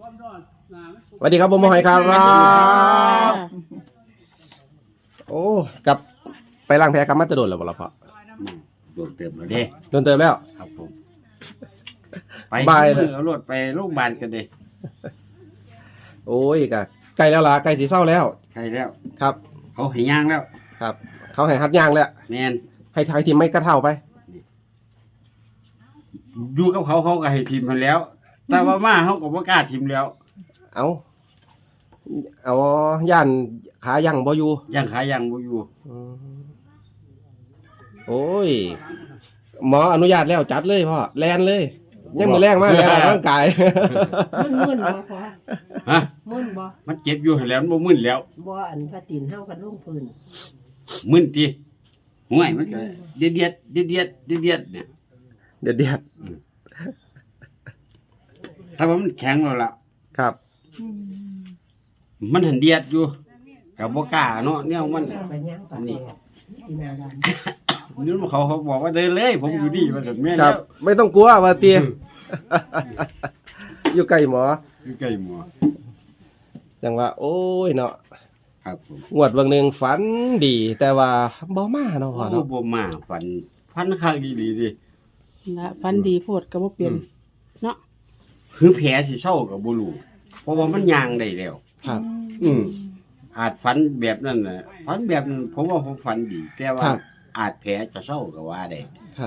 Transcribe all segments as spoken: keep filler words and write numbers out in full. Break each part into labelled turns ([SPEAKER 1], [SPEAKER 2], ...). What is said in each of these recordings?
[SPEAKER 1] สวัสดีครับผมหอยครับโอ้กับไปล้างแผลกับมัตตโดนแล้วบ่ล่ะพ่อ
[SPEAKER 2] โดนเติมแล้วเด้
[SPEAKER 1] โดนเติมแล้ว
[SPEAKER 2] ครับผมไปบายเลยเอารถไปโรงพยาบาลกันเด้
[SPEAKER 1] โอ้ยกะใกล้แล้วล่ะใกล้สิเศร้าแล้ว
[SPEAKER 2] ใกล้แล้ว
[SPEAKER 1] ครับ
[SPEAKER 2] เขาให้ย่างแล้ว
[SPEAKER 1] ครับเขาให้หัดย่างแล้ว
[SPEAKER 2] แม่น
[SPEAKER 1] ให้ทายทีมไม่กระเท่าไป
[SPEAKER 2] อยู่กับเขาเขาก็ให้ทีมมันแล้วแต่ว่ามาเขาก็บ่กล้าทีมแล้ว
[SPEAKER 1] เอาเอาย่านขายังบ่อยู่
[SPEAKER 2] ย่างขายังบ่อยู่
[SPEAKER 1] โอ้ยหมออนุญาตแล้วจัดเลยพ่อแลนเลยยังมือแรงมากแลนออกร่างกาย
[SPEAKER 3] มึนมึนบ่พ่อ
[SPEAKER 2] ฮะ
[SPEAKER 3] มึนบ่
[SPEAKER 2] มันเจ็บอยู่แล้วมันบ่มึนแล้ว
[SPEAKER 3] บ่อันพระตีนเฮากันลงพื้น
[SPEAKER 2] มึนติห่วยมันก็เดียดเดียดเดียดเดียดเดียดเนี่ย
[SPEAKER 1] เดียดเดียด
[SPEAKER 2] ถ้าว่ามันแข็งแล้วล่ะ
[SPEAKER 1] ครับ
[SPEAKER 2] มันหันเดียดอยู่กับบ่กล้าเนาะเนี่ยมันอันนี้นี่เขาเขาบอกว่าเดินเลยผมอยู่ดีมาถึงแม่
[SPEAKER 1] แล้วไม่ต้องกลัวว่าเตี้ยอยู่ใกล้หมอ
[SPEAKER 2] อยู่ใกล้หมอ
[SPEAKER 1] จังว่าโอ้ยเนาะ
[SPEAKER 2] ครับผม
[SPEAKER 1] งวดวันหนึ่งฝันดีแต่ว่าบ่มาเนาะพ่อเนาะ
[SPEAKER 2] บ่มาฝันฝันข้างดีดีดิ
[SPEAKER 3] นะฝันดีโพดก็บ่เปลี่ยนเนาะ
[SPEAKER 2] คือแผลสิเศร้ากับบ่รู้เพราะว่ามันยางได้แล้ว
[SPEAKER 1] ครับ
[SPEAKER 2] อืมอาจฝันแบบนั้นน่ะฝันแบบนั้นผมว่าผมฝันดีแต่ว่าอาจแผลจะเศร้าก็ว่าได้
[SPEAKER 1] ครับ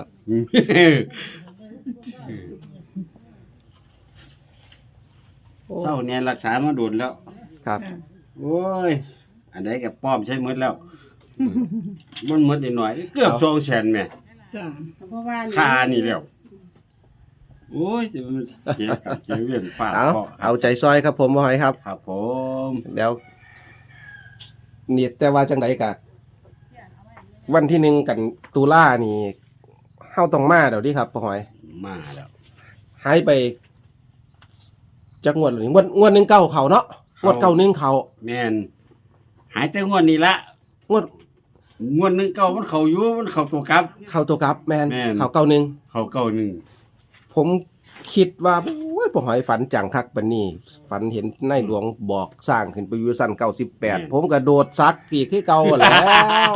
[SPEAKER 2] เศร้าเนี่ยรักษามาโดนแล้ว
[SPEAKER 1] ครับ
[SPEAKER 2] โอ้ยอันใดก็ป้อมใช้หมดแล้วมันหมดนิดหน่อยเกือบสองแสนแม่
[SPEAKER 3] จ้ะเพราะว่า
[SPEAKER 2] ค่านี่แล้วโอ้ยสิมันเจ็บกับเจ็บเวียนฟาด
[SPEAKER 1] เอาเอาใจซอยครับผมบ่หอยครับ
[SPEAKER 2] ครับผม
[SPEAKER 1] แล้วนี่แต่ว่าจังไดกะวันที่หนึ่งกันตุลานี่เฮาต้องมาเดี๋ยวนี้ครับบ่หอย
[SPEAKER 2] มาแล้ว
[SPEAKER 1] หายไปจักงวดหรืองวดงวดหนึ่งเก้าเขาเนาะงวดเก้าหนึ่งเขา
[SPEAKER 2] แม่นหายแต่งวดนี้ละ
[SPEAKER 1] งวด
[SPEAKER 2] งวดหนึ่งเก้ามันเขาอยู่มันเขาตัวกลับ
[SPEAKER 1] เขาตัวกลับแม่นเขาเก้าหนึ่ง
[SPEAKER 2] เขาเก้าหนึ่ง
[SPEAKER 1] ผมคิดว่าโอ้ยบ่หอยฝันจังคักปานนี้ฝันเห็นนายหลวงบอกสร้างขึ้นไปอยู่ชั้นเก้าสิบแปดผมก็โดดซักอีกคือเก่าแล้ว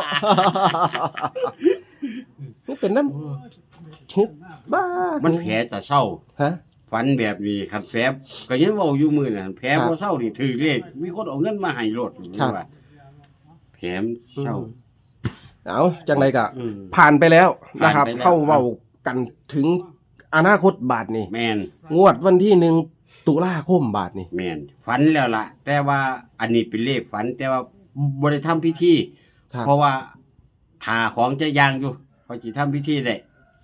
[SPEAKER 1] มันเป็นน้ำคิดบ้า
[SPEAKER 2] มันแผลจะเศร้า
[SPEAKER 1] ฮะ
[SPEAKER 2] ฝันแบบนี้ครับแผลก็ยังเว้าอยู่มื้อน่ะแผลบ่เศร้านี่ถือเลขมีคนเอาเงินมาให้โลดว่าแผลเศร้า
[SPEAKER 1] เอาจังไดก็ผ่านไปแล้วนะครับเข้าเว้ากันถึงอนาคตบาทนี่
[SPEAKER 2] แม่น
[SPEAKER 1] งวดวันที่หนึ่งตุลาคมบาทนี่
[SPEAKER 2] แม่นฝันแล้วล่ะแต่ว่าอันนี้เป็นเลขฝันแต่ว่าบ่ได้ทำพิธีเพราะว่าถ้าของจะย่างอยู่เขาสิทำพิธีได้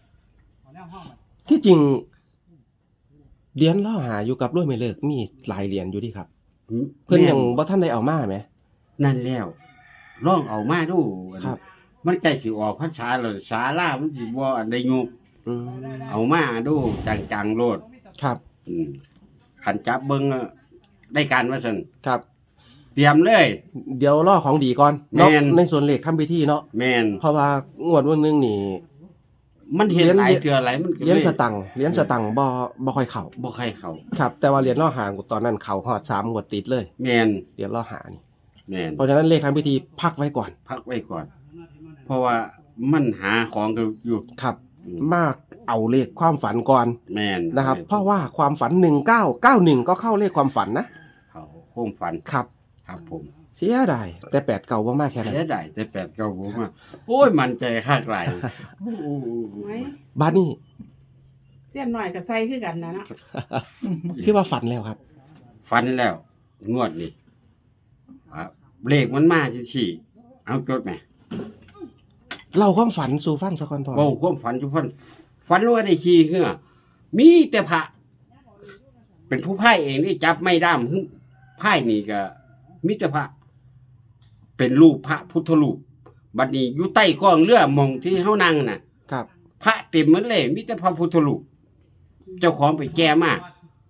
[SPEAKER 1] ที่จริงเหรียญล่อหาอยู่กับรวยไม่เลิกมีหลายเหรียญอยู่ดิครับเพิ่นยังบ่ทันได้เอามาแหม
[SPEAKER 2] นั่นแล้วลองเอามาดูครับมันใกล้สิออกพรรษาแล้วศาลามันสิบ่อันใดยุบเอามาดูจังๆโลด
[SPEAKER 1] ครับ
[SPEAKER 2] ขันจับเบิ้งได้การว่าซั่น
[SPEAKER 1] ครับ
[SPEAKER 2] เตรียมเลย
[SPEAKER 1] เดี๋ยวรอของดีก่อนเนาะในส่วนเลขทำพิธีเนาะ
[SPEAKER 2] แม่น
[SPEAKER 1] เพราะว่างวดวันนึงนี่
[SPEAKER 2] มันเห็นหลายเทื่อหลายมัน
[SPEAKER 1] เหรียญสตังค์เหรียญสตังค์บ่บ่ค่อยเข้า
[SPEAKER 2] บ่ค่อยเข้า
[SPEAKER 1] ครับแต่ว่าเหรียญล่อหาตอนนั้นเข้าฮอดสามงวดติดเลย
[SPEAKER 2] แม่น
[SPEAKER 1] เหรียญล่อหานี่
[SPEAKER 2] แม่น
[SPEAKER 1] เพราะฉะนั้นเลขทำพิธีพักไว้ก่อน
[SPEAKER 2] พักไว้ก่อนเพราะว่ามันหาของอยู่
[SPEAKER 1] ครับมากเอาเลขความฝันก่อน
[SPEAKER 2] แม่น
[SPEAKER 1] นะครับเพราะว่าความฝันหนึ่งเก้าเก้าหนึ่งก็เข้าเลขความฝันนะ
[SPEAKER 2] เขาความฝัน
[SPEAKER 1] ครับ
[SPEAKER 2] ครับผม
[SPEAKER 1] เสียดายแต่แปดเก่าบ่มากแค่นั้น
[SPEAKER 2] เสียดายแต่แปดเก่าบ่มากโอ้ยมันใจคักหลาย
[SPEAKER 1] บ้านนี้
[SPEAKER 3] เสี้ยนหน่อยกับไส้คือกันนะเนาะ
[SPEAKER 1] คือว่าฝันแล้วครับ
[SPEAKER 2] ฝันแล้วงวดนี่เลขมันมาชี้เอาจดไหม
[SPEAKER 1] เล่าความฝันสู่ฟังสักคนพอ
[SPEAKER 2] เว้าความฝันสู่ฟังฝันว่าได้ขี่คือมีแต่พระเป็นผู้พ่ายเองที่จับไม่ด้ามพ่ายนี่ก็มีแต่พระเป็นรูปพระพุทธรูปบัดนี้อยู่ใต้กองเรือมองที่เฮานั่งน่ะ
[SPEAKER 1] ครับ
[SPEAKER 2] พระเต็มหมดเลยมีแต่พระพุทธรูปเจ้าของไปแก้มา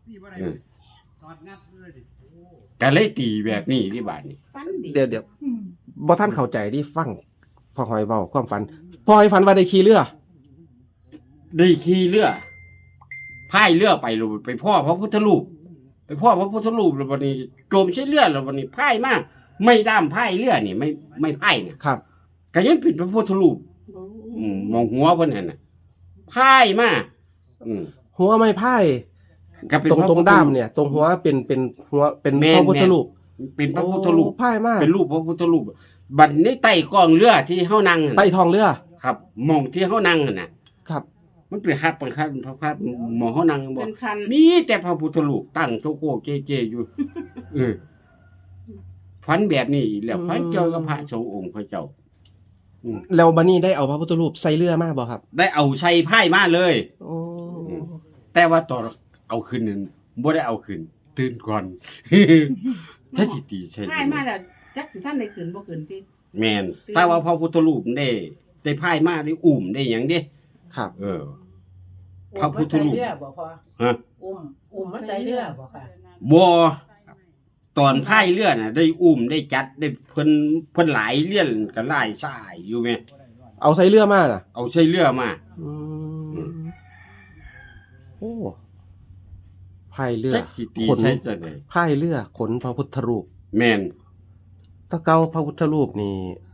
[SPEAKER 2] ก็เลยตีแบบนี้ที่บาดนี้
[SPEAKER 1] เดี๋ยวเดี๋ยวบ่ท่านเข้าใจที่ฟังพอหอยเว้าความฝันพอหอยฝันว่าได้ขี่เรือ
[SPEAKER 2] ได้ขี่เรือพายเรือไปลงไปพ่อพระพุทธรูปไปพ่อพระพุทธรูปแล้ววันนี้โจมใช้เลือดแล้ววันนี้พ่ายมากไม่ด้ามพ่ายเลือดนี่ไม่ไม่พ่ายเนี่ย
[SPEAKER 1] ครับ
[SPEAKER 2] ก็ยังเป็นพระพุทธรูปอืมมองหัวเพิ่นนั่นน่ะพ่ายมากอืม
[SPEAKER 1] หัวไม้ไผ่
[SPEAKER 2] ก็เป็น
[SPEAKER 1] ตรง
[SPEAKER 2] พะ
[SPEAKER 1] ตรง
[SPEAKER 2] พุทธ
[SPEAKER 1] ด้ามเนี่ย ตรงหัวเป็นเป็นหัวเป็น
[SPEAKER 2] แม่น
[SPEAKER 1] พระพุทธรูป
[SPEAKER 2] เป็นพระพุทธรูป
[SPEAKER 1] โอ้ไผ่มาก
[SPEAKER 2] เป็นรูปพระพุทธรูปบัดนี้ใต้กองเรือที่เฮานั่งนั่น
[SPEAKER 1] ใต้
[SPEAKER 2] น่ะ
[SPEAKER 1] ท้องเรือ
[SPEAKER 2] ครับหมองที่เฮานั่งนั่นน่ะ
[SPEAKER 1] ครับ
[SPEAKER 2] มันเป็นคัดเป็นคัดพระพัดหมองเฮานั่งบ่
[SPEAKER 3] เป็นคัน
[SPEAKER 2] มีแต่พระพุทธรูปตั้งโชโกเจเจอยู่เออฝันแบบนี้อีกแล้วฝันเกี่ยวกับพระสงฆ์องค์พระเจ้า
[SPEAKER 1] แล้วบัดนี้ได้เอาพระพุทธรูปใส่เรือมาบ่ครับ
[SPEAKER 2] ได้เอาใส่ไพ่มาเลย
[SPEAKER 1] โอ้
[SPEAKER 2] แต่ว่าตอนเอาคืนนั้นบ่ได้เอาคืนตื่นก่อน ถ้าสิตีใช่
[SPEAKER 3] ให้มาแล้วจักสิท่านได้ขึ้นบ่ขึ้นติ
[SPEAKER 2] แม่นแต่ว่าพระพุทธรูปได้ได้ไพ่มาได้อุ่มได้หยังเด้
[SPEAKER 1] ครับ
[SPEAKER 2] เออ พระพุทธรูป
[SPEAKER 4] อุ้มมันใส่เรือบ่พอ
[SPEAKER 2] ฮะ
[SPEAKER 4] อุ้มอุ้มมันใส่เรือบ่ค่ะ
[SPEAKER 2] บ่ตอนพายเรือน่ะ ได้อุ่มได้จัดได้เพิ่นเพิ่นหลายเลี่ยนกันหลายสายอยู่แม่
[SPEAKER 1] เอาใส่เรือมาน่ะ
[SPEAKER 2] เอาใช้เรือมา
[SPEAKER 1] อืมโอ้พายเรือ
[SPEAKER 2] จักสิตี
[SPEAKER 1] ขน
[SPEAKER 2] ใช้จังได๋
[SPEAKER 1] พายเรือขนพระพุทธรูป
[SPEAKER 2] แม่น
[SPEAKER 1] ตะเกาพระพุทธรูปนี่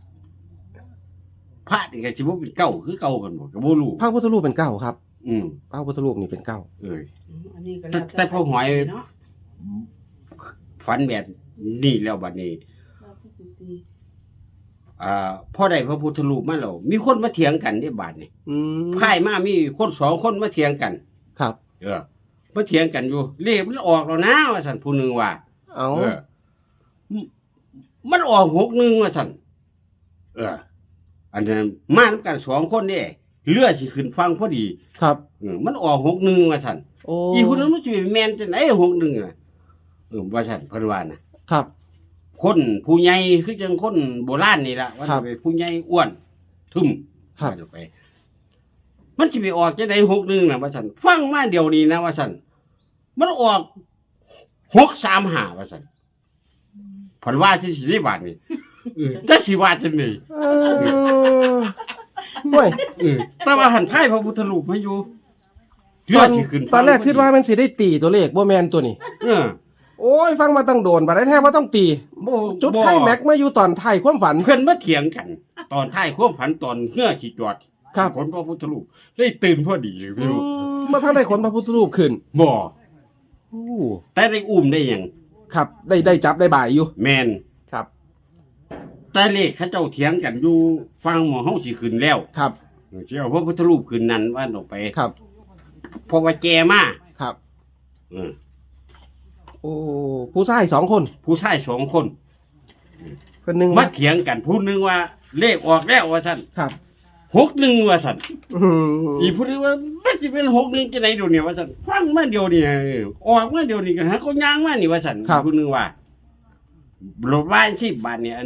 [SPEAKER 2] พระนี่ก็สิบ่เป็นเก่าคือเก่ากันบ่ก็บ่รู้
[SPEAKER 1] พระพุทธรูปเป็นเก้าครับ
[SPEAKER 2] อืม
[SPEAKER 1] พระพุทธรูปนี่เป็นเก้า
[SPEAKER 2] เอ้ย
[SPEAKER 3] อืมอันนี้ก็
[SPEAKER 2] แต่
[SPEAKER 3] ล้ว
[SPEAKER 2] แต่พอหอย
[SPEAKER 3] เนาะ
[SPEAKER 2] ฝันแบบนี้แล้วบัดนี้ อ่าพอได้พระพุทธรูปมาแล้วมีคนมาเถียงกันที่บาดนี่
[SPEAKER 1] อืม
[SPEAKER 2] พายมามีคนสองคนมาเถียงกัน
[SPEAKER 1] ครับ
[SPEAKER 2] เออมาเถียงกันอยู่เลขมันออกแล้วนะว่าซั่นผู้หนึงว่า
[SPEAKER 1] เอา
[SPEAKER 2] เออมมันออกหกหนึ่งว่าซั่นเออ อันนั้นมานํกันสองคนนี่เรือสิขึ้นฟังพอดี
[SPEAKER 1] ครับ
[SPEAKER 2] เออมันออกหกหนึ่งว่าซั่น
[SPEAKER 1] โอ้
[SPEAKER 2] อีผู้นั้นมันสิไปแม่นจังได๋หกหนึ่งน่ะเออว่าซั่นเพิ่นว่าน่ะ
[SPEAKER 1] ครับ
[SPEAKER 2] คนผู้ใหญ่คือจังคนโบราณนี่ล่ะว่า
[SPEAKER 1] ครั
[SPEAKER 2] จะ
[SPEAKER 1] บ
[SPEAKER 2] เป็นผู้ใหญ่อ้วนทึม
[SPEAKER 1] ครับ
[SPEAKER 2] ว่าจะไป มันสิไปออกจะได้หกหนึ่งน่ะว่าซั่นฟังมาเดี๋ยวนี้นะว่าซั่นมันออกหกสามห้าว่าซั่นเพันว่าที่สิได้บาทนี่เออจักสิว่าจังได๋
[SPEAKER 1] เออห่วย
[SPEAKER 2] เออแต่ว่าหันไพ่พระพุทธรูปมาอยู่
[SPEAKER 1] ตอน
[SPEAKER 2] เรือสิขึ้น
[SPEAKER 1] ตอนแรก
[SPEAKER 2] ฟัง
[SPEAKER 1] คิดว่ามันสิได้ตีตัวเลขบ่แมนตัวนี้
[SPEAKER 2] เออ
[SPEAKER 1] โอ้ย ฟังมาตั้งโดนบัดได้แท้ว่าต้องตี
[SPEAKER 2] บ่
[SPEAKER 1] จุด
[SPEAKER 2] บ่
[SPEAKER 1] ไข่แม็กมาอยู่ตอนท้ายความฝัน
[SPEAKER 2] เพิ่นมาเถียงกัน ตอนท้ายความฝันตอนเฮือสิจอด
[SPEAKER 1] ครับ
[SPEAKER 2] คนพระพุทธรูปได้ตื่นพอดีพี่
[SPEAKER 1] อื
[SPEAKER 2] รู้
[SPEAKER 1] มมาทางได้ขนพระพุทธรูปขึ้น
[SPEAKER 2] บ่
[SPEAKER 1] โอ้
[SPEAKER 2] แต่ได้อุ้มได้หยัง
[SPEAKER 1] ครับ ได้ได้จับได้บ่ายอยู่
[SPEAKER 2] แม่น
[SPEAKER 1] ครับ
[SPEAKER 2] แต่เลขเขาเจ้าเถียงกันอยู่ฟังหมอเฮาสิขึ้นแล้ว
[SPEAKER 1] ครับ
[SPEAKER 2] สิเอาพระพุทธรูปขึ้นนั้นว่าออกไป
[SPEAKER 1] ครับ
[SPEAKER 2] เพราะว่าแกมา
[SPEAKER 1] ครับ
[SPEAKER 2] เออ
[SPEAKER 1] โอ้ ผู้ชายสองคน
[SPEAKER 2] ผู้ชายสองคน
[SPEAKER 1] คนหนึ่ง
[SPEAKER 2] มาเถียงกันผู้หนึงว่า เลขออกแล้วว่าซั่น
[SPEAKER 1] ครับ
[SPEAKER 2] หกหนึ่งว่าซั่น
[SPEAKER 1] อืม
[SPEAKER 2] อีกผู้หนึงว่ามันสิเป็นหกหนึ่งจังได๋เดี๋ยวนี้ว่าซั่นฟังมาเดี๋ยวนี้ออกมาเดี๋ยวนี้ก็หาก็ย่างมานี่ว่าซั่นอีกผู้หนึงว่าโลดว่าสิบบาทเนี่ยอัน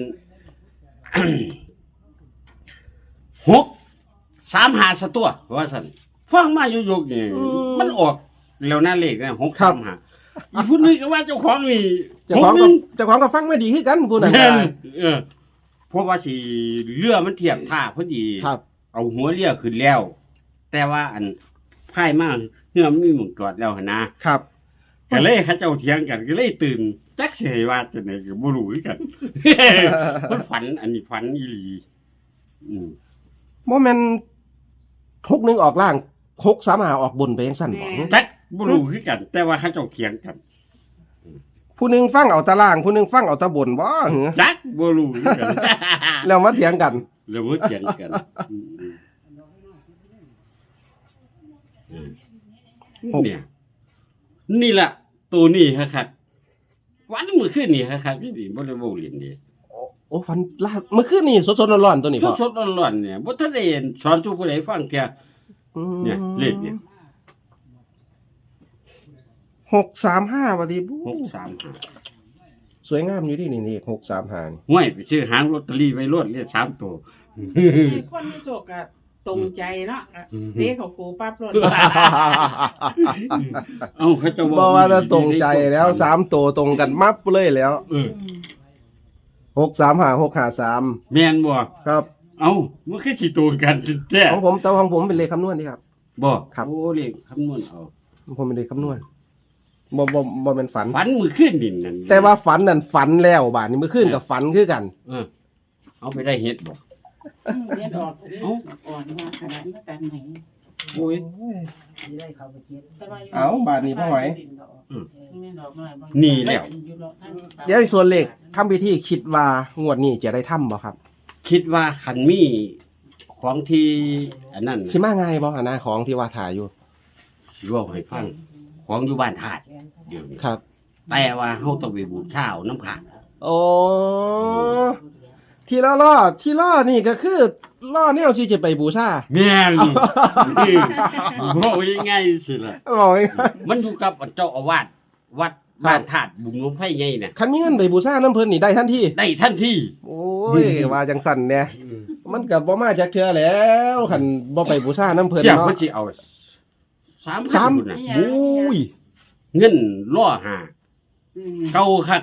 [SPEAKER 2] หกสามหาสตัวว่าซั่นฟังมาอยู่ยกนี่มันออกแล้วนะเลขนะหกสามหาอีกผู้หนึงก็ว่าเจ้าของนี่
[SPEAKER 1] เจ้าของ
[SPEAKER 2] ห
[SPEAKER 1] ก็
[SPEAKER 2] นึ่
[SPEAKER 1] เจ้าของก็ฟังไม่ดีคือกันผู้นั้น
[SPEAKER 2] แม่
[SPEAKER 1] ก็
[SPEAKER 2] นเออเพราะว่าสิเรือมันเทียบท่าพอดี
[SPEAKER 1] ครับ
[SPEAKER 2] เอาหัวเรือขึ้นแล้ว แต่ว่าอันพายมากเรือมันมีหมุนจอดแล้วหั่นนะครับ ก็เลยเขาเจ้าเถียงกันก็เลยตื่นจักสิให้ว่าจังได๋ก็บ่รู้คือกัน มันฝันอันนี้ฝันอีหลีอืม
[SPEAKER 1] โมเมนหกหนึ่งออกล่างหกสามหาออกบนไปยังสั้นบอก
[SPEAKER 2] จักบ่รู้คือกัน แต่ว่าเขาเจ้าเถียงกัน
[SPEAKER 1] ผู้หนึ่งฟังเอาตาราง ผู้หนึ่งฟังเอาตาบนบ่เหรอ
[SPEAKER 2] จักบ่รู้คือกัน
[SPEAKER 1] แล้วมาเถียงกัน
[SPEAKER 2] แล้วมันเถียงกันอืมอืมเนี่ย นี่ล่ะตัวนี้ครับวันมื้อคืนนี่ครับนี่ดิบ่ได้เว้าเล่นนี่
[SPEAKER 1] โอ้โอ้ฟันลาดเมื่อคืนนี่สดๆร้อนๆตัวนี้พ่อ
[SPEAKER 2] สดๆร้อนๆเนี่ยบ่ทันได้เห็นสอนทุกผู้ใดฟังแก
[SPEAKER 1] อืม
[SPEAKER 2] เนี่ยเลขเนี่ย
[SPEAKER 1] หกสามห้าวันดีบู๊
[SPEAKER 2] หกสามห้า
[SPEAKER 1] สวยงามอยู่ดินี่นี่หกสามห้านี่
[SPEAKER 2] ห้วยไปซื้อหางลอตเตอรี่ไว้รวดเลขสามตัว
[SPEAKER 3] มีคนมีโชคก็ตรงใจเนาะก็เด้เขากูปั๊บรถ
[SPEAKER 2] เอ้าเขาจะ
[SPEAKER 1] บอกว่าจะตรงใจแล้วสามตัวตรงกันมับเลยแล้ว
[SPEAKER 2] เออ
[SPEAKER 1] หกสามห้าหกห้าสาม
[SPEAKER 2] แม่นบ่
[SPEAKER 1] ครับ
[SPEAKER 2] เอ้ามันคือสิตรงกันแท้
[SPEAKER 1] ของผมแต่ของผมเป็นเลขคำนวณนี่ครับ
[SPEAKER 2] บ่
[SPEAKER 1] ครับ
[SPEAKER 2] โอ้เลขคำนวณเอา
[SPEAKER 1] ของผมเป็นเลขคำนวณบ่บ่บ่แม่นฝัน
[SPEAKER 2] ฝันมือขึ้นดินนั่น
[SPEAKER 1] แต่ว่าฝันนั่นฝันแล้วบาดนี้มื้อคืนกับฝันคือกัน
[SPEAKER 2] เออเอาไปได้เฮ็ดบ่
[SPEAKER 3] อืมเรียนออกเอ้าอ่อนว่าขนาดนั้นกันไหน
[SPEAKER 2] โอ้ย
[SPEAKER 4] สิได้เข้าไปเจ็ด
[SPEAKER 3] แต่ว่ายู่
[SPEAKER 1] เอ้าบาดนี้พ่อหอย
[SPEAKER 2] อืม
[SPEAKER 3] แม่นดอกน้อยบ่
[SPEAKER 2] นี่แล้ว
[SPEAKER 1] เดี๋ยวส่วนเลขทำพิธีคิดว่างวดนี้จะได้ทำบ่ครับ
[SPEAKER 2] คิดว่าคันมีของที่อันนั้น
[SPEAKER 1] สิมาง่ายบ่อันนะของที่ว่าถ่ายอยู่
[SPEAKER 2] สิเว้าให้ฟังของอยู่บ้านธาตุเดี๋ยวนี้
[SPEAKER 1] ครับ
[SPEAKER 2] แต่ว่าเฮาต้องไปบูชาเอาน้ำผา
[SPEAKER 1] โอ้ที่ล่อล่อที่ล่อนี่ก็คือล่อแนวที่จะไปบูชา
[SPEAKER 2] แม่นนี่บ่ยังไงสิล่ะ
[SPEAKER 1] บอกไง
[SPEAKER 2] มันอยู่กับเจ้าอาวาสวัดบ้านธาตุบุญหลวงไฟใหญ่น่ะ
[SPEAKER 1] คันมีเงินไปบูชาน้ำเพิ่นนี่ได้ทันที
[SPEAKER 2] ได้ทันที
[SPEAKER 1] โอ้ยว่าจังสั่นเนี่ยมันก็บ่มาจากเทื่อแล้วคันบ่ไปบูชาน้ำเพิ่น
[SPEAKER 2] เจ้า
[SPEAKER 1] เนาะ
[SPEAKER 2] เพิ่นสิเอาสาม
[SPEAKER 1] สาม
[SPEAKER 2] พันพุ่นน่ะ
[SPEAKER 1] โอ้ย
[SPEAKER 2] เงินล่อหา
[SPEAKER 3] อืม
[SPEAKER 2] เก่าคัก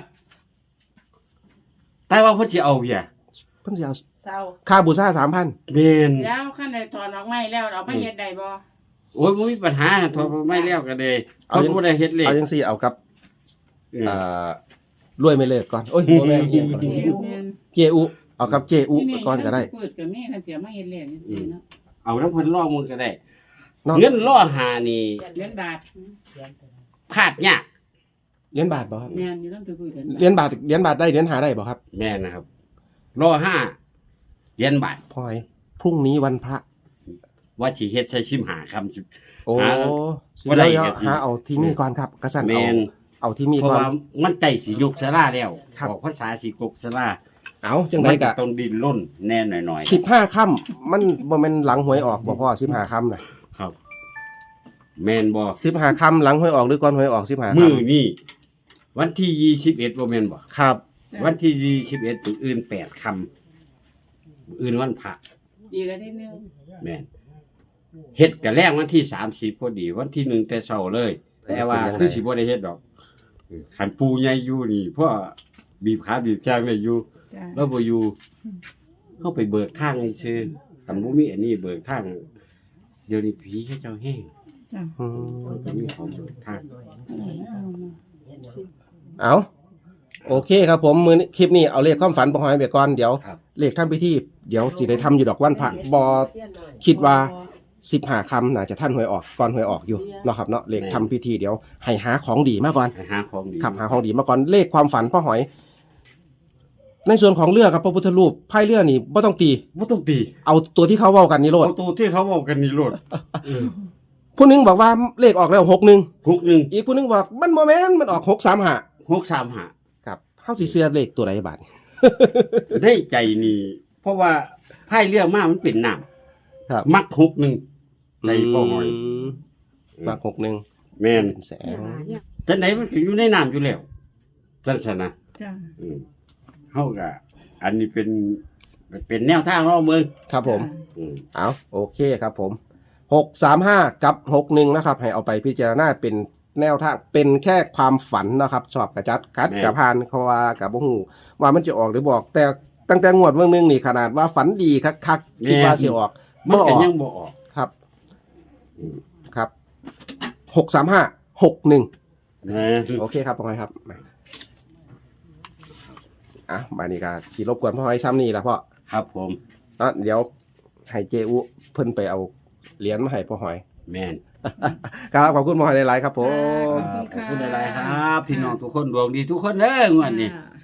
[SPEAKER 2] แต่ว่าเพิ่นสิเอาเพีย
[SPEAKER 1] เพิ่นสิเอา
[SPEAKER 3] เศร้า
[SPEAKER 1] ค่าบูชาสามพัน
[SPEAKER 2] แม่น
[SPEAKER 3] แล้วขั้นใดถอนออกไม้แล้วเอามาเฮ็ดได้บ่
[SPEAKER 2] โอ้ยบ่มีปัญหาโทรไม่แล้วก็ได้เขาบ่ได้เฮ็ดเลย
[SPEAKER 1] เอาจังซี่เอากับ
[SPEAKER 2] เออ
[SPEAKER 1] อ่ารวยไม่เลิกก่อนโอ้ยบ่แม่นอีหยังก่อน
[SPEAKER 3] แม่น
[SPEAKER 1] เจอุเอากับเจอุก่อนก็ได้
[SPEAKER 3] พูดกับแม่คันเสียมาเฮ็ดแล้วจังซี่เนาะ
[SPEAKER 2] เอาน้ำเพิ่นล่อมือก็ได้
[SPEAKER 1] เนาะ
[SPEAKER 2] เงินล่อหานี่
[SPEAKER 3] เหรียญบาท
[SPEAKER 2] พลาดยาก
[SPEAKER 1] เหรียญบาทบ่ครับ
[SPEAKER 3] แม่นอยู่ต้องไปคุยกัน
[SPEAKER 1] เหรียญบาทเหรียญบาทได้เหรียญหาได้บ่ครับ
[SPEAKER 2] แม่นะครับล่อห้าเหรียญบาท
[SPEAKER 1] พลอยพรุ่งนี้วันพระ
[SPEAKER 2] ว่าสิเฮ็ดใช้ชิมหาคำสิ
[SPEAKER 1] โอ้
[SPEAKER 2] หา
[SPEAKER 1] สิ
[SPEAKER 2] บ่ได้
[SPEAKER 1] เดี๋ยว
[SPEAKER 2] ก็สิ
[SPEAKER 1] หาเอาที่มีก่อนครับกระสัน
[SPEAKER 2] แม่
[SPEAKER 1] เอา
[SPEAKER 2] น
[SPEAKER 1] เอาที่มี
[SPEAKER 2] เพราะ
[SPEAKER 1] ก่อน
[SPEAKER 2] ว่ามันใกล้สิยกศาลาแล้ว
[SPEAKER 1] ครับ
[SPEAKER 2] ออกภาษาสิกกศาลา
[SPEAKER 1] เอาจังได
[SPEAKER 2] มัน
[SPEAKER 1] กะ
[SPEAKER 2] ต้องดินร่นแน่หน่อย
[SPEAKER 1] สิบห้าค่ำมันบ่แม่นหลังหวยออกบ่พ่อสิบห้าค่ำน่ะ
[SPEAKER 2] ๆครับ แม่นบ่
[SPEAKER 1] สิบห้าค่ำหลังหวยออกหรือก่อนหวยออกสิบห้า
[SPEAKER 2] มื้อ
[SPEAKER 1] ค่ำ
[SPEAKER 2] นี้วันที่ยี่สิบเอ็ดบ่แม่นบ่
[SPEAKER 1] ครับ
[SPEAKER 2] วันที่ยี่สิบเอ็ดมื้ออื่นแปดค่ำอื่นวันพระ
[SPEAKER 3] อีกอาทิตย์หนึง
[SPEAKER 2] แม่นเฮ็ดกะแรงวันที่สามสิบพอดี วันที่หนึ่งแต่เช้าเลย แต่ว่าคือสิบ่ได้เฮ็ดดอกคันปูใหญ่อยู่นี่เพราะบีบขาบีบแข้งได้อยู่
[SPEAKER 3] จ้ะ
[SPEAKER 2] แล้วบ่อยู่เฮาไปเบิกทางให้ซื่อคันบ่มีอันนี้เบิกทางเดี๋ยวนี้ผีเขาเจ้าแห้ง
[SPEAKER 3] จ้ะ
[SPEAKER 1] อืม
[SPEAKER 2] จะมีของเบิกทาง
[SPEAKER 1] เอาโอเคครับผมมือนี้คลิปนี้เอาเลขความฝันบ่หอยไปก่อนเดี๋ยว
[SPEAKER 2] ครับ
[SPEAKER 1] เลขทำพิธีเดี๋ยวสิได้ทำอยู่ดอกวันพระบ่คิดว่าสิบห้าค่ำน่าจะท่านหวยออกก่อนหวยออกอยู่เนาะครับเนาะเลขทำพิธีเดี๋ยวให้หาของดีมาก่อน
[SPEAKER 2] ไปหาของดี
[SPEAKER 1] ขับหาของดีมาก่อนเลขความฝันพ่อหอย ในส่วนของเรือครับพระพุทธรูปไพ่เรือนี่บ่ต้องตี
[SPEAKER 2] บ่ต้องตี
[SPEAKER 1] เอาตัวที่เขาเว้ากันนี่โลด
[SPEAKER 2] เอาตัวที่เขาบอกกันนี่โลดเออ
[SPEAKER 1] ผู้หนึงบอกว่าเลขออกแล้วหกหนึ่ง
[SPEAKER 2] หกหนึ่ง
[SPEAKER 1] อีกผู้หนึงบอกมันโมเมนต์มันออกหกสามห้า
[SPEAKER 2] หกสามห้า
[SPEAKER 1] ครับเฮาสิเชื่อเลขตัวใดบาด
[SPEAKER 2] ได้ใจนี่เพราะว่าไพ่เรือมามันเป็นน้ำ
[SPEAKER 1] ครับ
[SPEAKER 2] มักหกหนึ่งใจพ่อหอย
[SPEAKER 1] มมาหกหนึ่ง
[SPEAKER 2] แม่น
[SPEAKER 1] เป็นแสง
[SPEAKER 2] จังไหนมันก็อยู่ในน้ำอยู่แล้วจังซั่นนะ
[SPEAKER 3] จ้ะ
[SPEAKER 2] อืมเฮาก็อันนี้เป็นเป็นแนวทางเราเมือง
[SPEAKER 1] ครับผม
[SPEAKER 2] อืม
[SPEAKER 1] เอาโอเคครับผมหกสามห้ากับหกหนึ่งนะครับ ให้เอาไปพิจารณาเป็นแนวทางเป็นแค่ความฝันนะครับชอบกระจัดคัดกระพานเขาว่ากับบ่ฮู้ว่ามันจะออกหรือบอก แต่ตั้งแต่งวดเมื่อนึงนี่ขนาดว่าฝันดีคักๆคิดว่าสิออก
[SPEAKER 2] มัน
[SPEAKER 1] บ่อ
[SPEAKER 2] ก็
[SPEAKER 1] อก
[SPEAKER 2] ยังบ่ออก
[SPEAKER 1] ครับครับหกสามห้าหกหนึ่ง
[SPEAKER 2] นะ
[SPEAKER 1] โอเคครับพ่อหอยครับมาอ่ะมานี่ก็สีรบกวนพ่อหอยซ้ำนี่ละพ่อ
[SPEAKER 2] ครับผม
[SPEAKER 1] เนาะเดี๋ยวให้เจอุเพิ่นไปเอาเหรียญมาให้พ่อหอย
[SPEAKER 2] แม่น
[SPEAKER 1] ครับขอบคุณพ่อหอยหลายๆครับผม
[SPEAKER 2] ครับขอบคุณหลายๆครับ พี่น้องทุกคนดวงดีทุกคนเด้องวดนี้
[SPEAKER 3] อ่า